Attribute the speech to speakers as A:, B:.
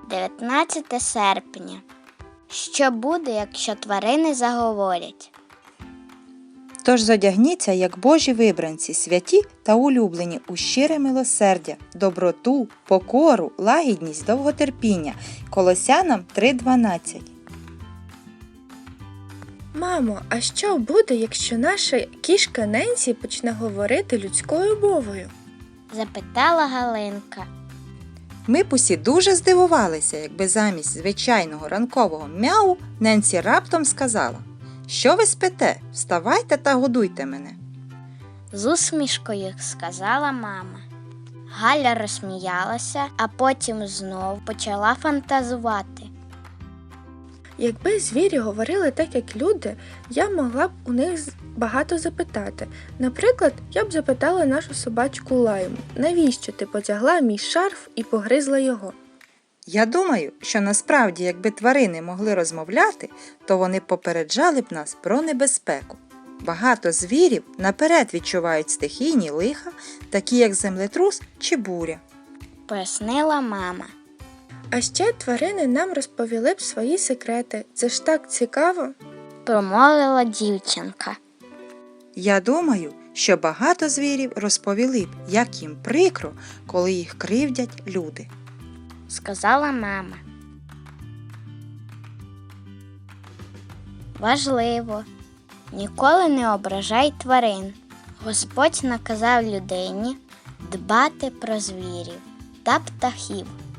A: 19 серпня. Що буде, якщо тварини заговорять?
B: Тож зодягніться, як Божі вибранці, святі та улюблені у щире милосердя, доброту, покору, лагідність, довготерпіння. Колосянам 3:12.
C: Мамо, а що буде, якщо наша кішка Ненсі почне говорити людською мовою?
A: Запитала Галинка.
B: Ми б усі дуже здивувалися, якби замість звичайного ранкового мяу Ненсі раптом сказала: «Що ви спите? Вставайте та годуйте мене».
A: З усмішкою сказала мама. Галя розсміялася, а потім знов почала фантазувати.
C: Якби звірі говорили так, як люди, я могла б у них багато запитати. Наприклад, я б запитала нашу собачку Лайму: навіщо ти потягла мій шарф і погризла його?
B: Я думаю, що насправді, якби тварини могли розмовляти, то вони попереджали б нас про небезпеку. Багато звірів наперед відчувають стихійні лиха, такі як землетрус чи буря.
A: Пояснила мама.
C: А ще тварини нам розповіли б свої секрети. Це ж так цікаво.
A: Промовила дівчинка.
B: Я думаю, що багато звірів розповіли б, як їм прикро, коли їх кривдять люди.
A: Сказала мама. Важливо. Ніколи не ображай тварин. Господь наказав людині дбати про звірів та птахів.